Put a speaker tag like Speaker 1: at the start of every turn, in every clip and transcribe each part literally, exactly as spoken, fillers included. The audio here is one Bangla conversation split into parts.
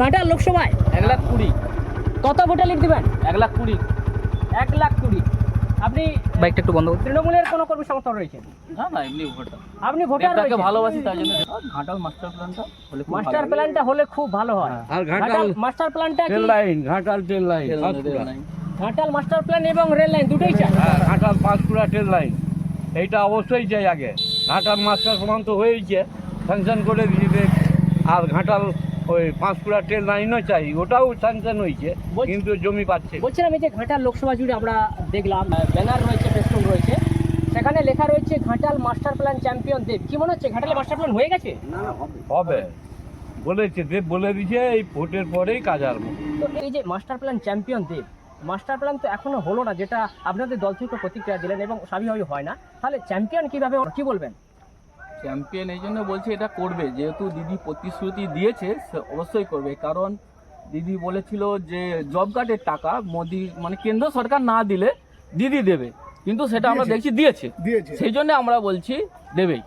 Speaker 1: ঘাটাল লোকসভায়
Speaker 2: এক লাখ কুড়ি
Speaker 1: কত ভোটে লিড দিবেন?
Speaker 2: এক লাখ কুড়ি
Speaker 1: এক লাখ কুড়ি। আপনি
Speaker 2: বাইকটা একটু বন্ধ করতে।
Speaker 1: তৃণমূলের কোনো কর্মী সমর্থন রয়েছে?
Speaker 2: না না এমনি ভোটার।
Speaker 1: আপনি ভোটার
Speaker 2: দেবদাকে
Speaker 1: রয়েছেন?
Speaker 2: ভালোবাসি তাই জন্য ঘাটাল মাস্টার প্ল্যানটা হলে খুব
Speaker 1: মাস্টার
Speaker 2: ভালো।
Speaker 1: প্ল্যানটা হলে খুব ভালো হয়।
Speaker 3: আর ঘাটাল
Speaker 1: ঘাটাল মাস্টার প্ল্যানটা কি?
Speaker 3: Rail line, Ghatal train line,
Speaker 2: rail line, rail line.
Speaker 1: Ghatal master plan এবং রেল লাইন দুটোই চাই।
Speaker 3: হ্যাঁ, ঘাটাল পাঁশকুড়া ট্রেন লাইন এইটা অবশ্যই চাই আগে। ঘাটাল মাস্টার সমান তো হয়েইছে, স্যাংশন করে দিয়েছে। আর ঘাটাল ওই পাঁশকুড়া ট্রেন লাইনও চাই, ওটাও স্যাংশন হয়েছে,
Speaker 1: বলছি-
Speaker 3: কিন্তু জমি পাচ্ছে না।
Speaker 1: বলছিলাম এই যে ঘাটাল লোকসভা জুড়ে আমরা দেখলাম ব্যানার রয়েছে, ফেস্টুন রয়েছে, সেখানে লেখা রয়েছে Ghatal master plan champion Dev. কি মনে হচ্ছে ঘাটালে মাস্টার প্ল্যান হয়ে গেছে?
Speaker 3: হবে বলেছে, দেব বলে দিয়েছে এই ভোটের পরেই কাজ আরম্ভ।
Speaker 1: তো এই যে master plan champion Dev, master plan তো এখনো হলো না, যেটা আপনাদের দল থেকে প্রতিক্রিয়া দিলেন এবং স্বাভাবিকভাবে হয় না, তাহলে চ্যাম্পিয়ন কিভাবে, কি বলবেন?
Speaker 2: চ্যাম্পিয়ন এই জন্য বলছে এটা করবে, যেহেতু দিদি প্রতিশ্রুতি দিয়েছে সে অবশ্যই করবে। কারণ দিদি বলেছিল যে জব কার্ডের টাকা মোদি মানে কেন্দ্র সরকার না দিলে দিদি দেবে, কিন্তু সেটা আমরা দেখছি দিয়েছে
Speaker 4: দিয়েছে
Speaker 2: সেই জন্য আমরা বলছি দেবেই,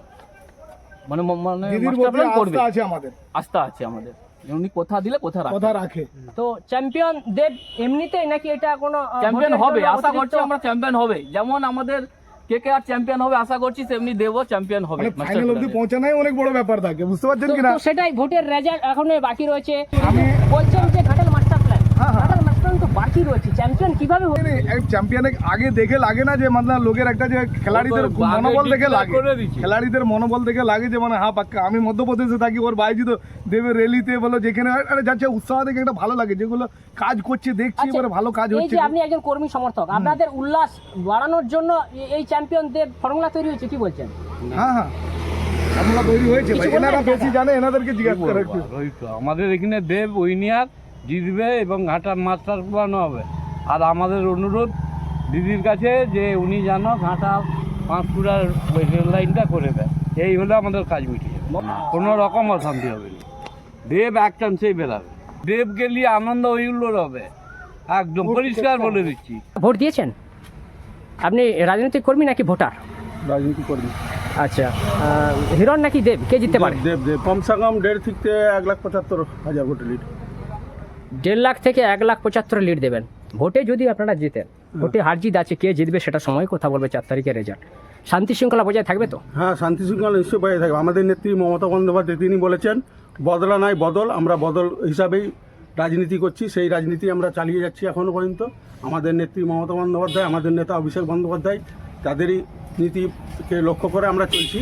Speaker 2: মানে মানে
Speaker 4: দিদির
Speaker 2: মাস্টার
Speaker 4: প্রতি
Speaker 2: প্ল্যান করবে,
Speaker 4: আস্থা আছে আমাদের,
Speaker 2: আস্থা আছে আমাদের। উনি কথা দিলে কথা রাখে।
Speaker 4: কথা রাখে।
Speaker 1: তো চ্যাম্পিয়ন দেব এমনিতেই নাকি এটা কোনো আহ,
Speaker 2: চ্যাম্পিয়ন
Speaker 1: ভোটের
Speaker 2: হবে,
Speaker 1: জন্য
Speaker 2: আশা
Speaker 1: অতিরিক্ত-
Speaker 2: করছি আমরা চ্যাম্পিয়ন হবে। যেমন আমাদের কে কে আর চ্যাম্পিয়ন হবে আশা করছি, তেমনি দেবও চ্যাম্পিয়ন হবে।
Speaker 4: মানে
Speaker 2: মাস্টার
Speaker 4: ফাইনাল অবধি
Speaker 2: প্ল্যানে।
Speaker 4: পৌঁছানোই অনেক বড় ব্যাপার থাকে, বুঝতে পারছেন
Speaker 1: তো-
Speaker 4: কিনা?
Speaker 1: তো সেটাই ভোটের রেজাল্ট এখনো বাকি রয়েছে।
Speaker 4: আমি-
Speaker 1: বলছেন যে ঘাটাল মাস্টার প্ল্যান,
Speaker 4: হ্যাঁ, হ্যাঁ।
Speaker 1: ঘাটাল মাস্টার প্ল্যান তো বাকি রয়েছে, চ্যাম্পিয়ন কিভাবে হবে?
Speaker 4: চ্যাম্পিয়নে আগে দেখে লাগে না যে মানে লোকের একটা যে খেলাড়িদের
Speaker 3: ও তো আগে
Speaker 4: মনোবল দেখে
Speaker 3: declare
Speaker 4: লাগে,
Speaker 3: করে দিচ্ছে।
Speaker 4: খেলাড়িদের মনোবল দেখে লাগে যে মানে হ্যাঁ পাক্কা। আমি মধ্যপ্রদেশে থাকি, ওর বাইজি তো দেবে রেলিতে বলো যেখানে আরে যাচ্ছে, উৎসাহ দেখে একটা ভালো লাগে, যেগুলো কাজ করছে দেখছি
Speaker 1: আচ্ছা,
Speaker 4: এবারে ভালো কাজ
Speaker 1: এই
Speaker 4: হচ্ছে।
Speaker 1: যে আপনি একজন কর্মী সমর্থক, আপনাদের উল্লাস বাড়ানোর জন্য এ- এই চ্যাম্পিয়ন দেব ফর্মুলা তৈরি হয়েছে, কি বলছেন?
Speaker 4: হ্যাঁ হ্যাঁ আমরা তৈরি হয়েছে ভাই,
Speaker 1: কিছু
Speaker 4: এনারা
Speaker 1: বলবেন
Speaker 4: বেশি
Speaker 1: দাদা?
Speaker 4: জানে, এনাদেরকে
Speaker 3: কি
Speaker 4: জিজ্ঞাসা করে
Speaker 3: বলবো আর, ওই তো আমাদের এখানে দেব উইনিয়ার জিতবে এবং ঘাটাল মাস্টার প্ল্যান হবে। আর আমাদের অনুরোধ দিদির কাছে যে উনি যেন ঘাটাল পাঁশকুড়ার ওই রেল লাইনটা করে দেয়, এই হলে আমাদের কাজ মিটিয়ে যাবে, কোনো রকম অশান্তি হবে না। দেব এক চান্সেই বেরাবে, দেব গেলে আনন্দ হইগুলোর হবে, একদম পরিষ্কার বলে দিচ্ছি।
Speaker 1: ভোট দিয়েছেন আপনি? রাজনৈতিক কর্মী নাকি ভোটার?
Speaker 5: রাজনীতি করবি
Speaker 1: আচ্ছা, আহ, হিরণ নাকি দেব, কে জিততে পারে?
Speaker 5: দেব দেব কমসে কম দেড় থেকে এক লাখ পঁচাত্তর হাজার ভোটে লিড।
Speaker 1: দেড় লাখ থেকে এক লাখ পঁচাত্তর লিড দেবেন ভোটে যদি আপনারা জিতেন। ভোটে হার জিত আছে, কে জিতবে সেটা সময় কথা বলবে, চার তারিখের রেজাল্ট। শান্তি শৃঙ্খলা বজায় থাকবে তো?
Speaker 5: হ্যাঁ, শান্তি শৃঙ্খলা নিশ্চয়ই বজায় থাকবে। আমাদের নেত্রী মমতা বন্দ্যোপাধ্যায় তিনি বলেছেন বদলা নাই বদল, আমরা বদল হিসাবেই রাজনীতি করছি, সেই রাজনীতি আমরা চালিয়ে যাচ্ছি এখনও পর্যন্ত। আমাদের নেত্রী মমতা বন্দ্যোপাধ্যায়, আমাদের নেতা অভিষেক বন্দ্যোপাধ্যায়, তাদেরই নীতিকে লক্ষ্য করে আমরা চলছি।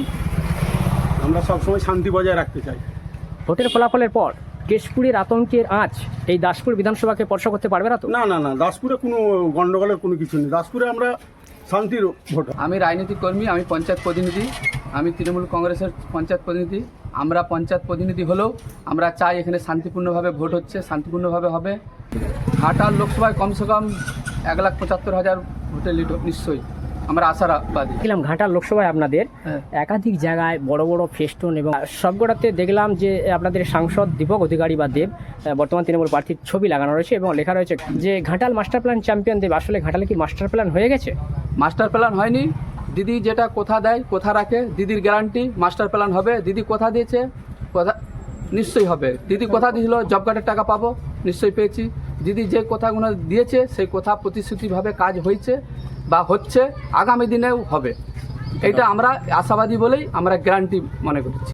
Speaker 5: আমরা সবসময় শান্তি বজায় রাখতে চাই।
Speaker 1: ভোটের ফলাফলের পর কেশপুরের আতঙ্কের আঁচ এই দাসপুর বিধানসভাকে স্পর্শ করতে পারবে না তো?
Speaker 5: না না না, দাসপুরে কোনো গণ্ডগোলের কোনো কিছু নেই। দাসপুরে আমরা শান্তির ভোট।
Speaker 6: আমি রাজনৈতিক কর্মী, আমি পঞ্চায়েত প্রতিনিধি, আমি তৃণমূল কংগ্রেসের পঞ্চায়েত প্রতিনিধি। আমরা পঞ্চায়েত প্রতিনিধি হলেও আমরা চাই এখানে শান্তিপূর্ণভাবে ভোট হচ্ছে, শান্তিপূর্ণভাবে হবে। ঘাটাল লোকসভায় কমসে কম এক লাখ পঁচাত্তর হাজার ভোটের লিড নিশ্চয়ই আমরা আশাবাদী।
Speaker 1: দেখলাম ঘাটাল লোকসভায় আপনাদের
Speaker 6: হ্যাঁ।
Speaker 1: একাধিক জায়গায় বড় বড় ফেস্টুন এবং সবগুলোতে দেখলাম যে আপনাদের সাংসদ দীপক অধিকারী বা দেব, বর্তমান তৃণমূল প্রার্থীর ছবি লাগানো রয়েছে এবং লেখা রয়েছে যে Ghatal master plan champion Dev. আসলে ঘাটালে কি মাস্টার প্ল্যান হয়ে গেছে?
Speaker 6: মাস্টার প্ল্যান হয়নি, দিদি যেটা কথা দেয় কথা রাখে, দিদির গ্যারান্টি মাস্টার প্ল্যান হবে। দিদি কথা দিয়েছে, কথা নিশ্চয়ই হবে। দিদি কথা দিয়েছিল জব কার্ডের টাকা পাবো, নিশ্চয়ই পেয়েছি। দিদি যে কথাগুলো দিয়েছে সেই কথা প্রতিশ্রুতিভাবে কাজ হয়েছে বা হচ্ছে, আগামী দিনেও হবে। এটা আমরা আশাবাদী বলেই আমরা গ্যারান্টি মনে করছি।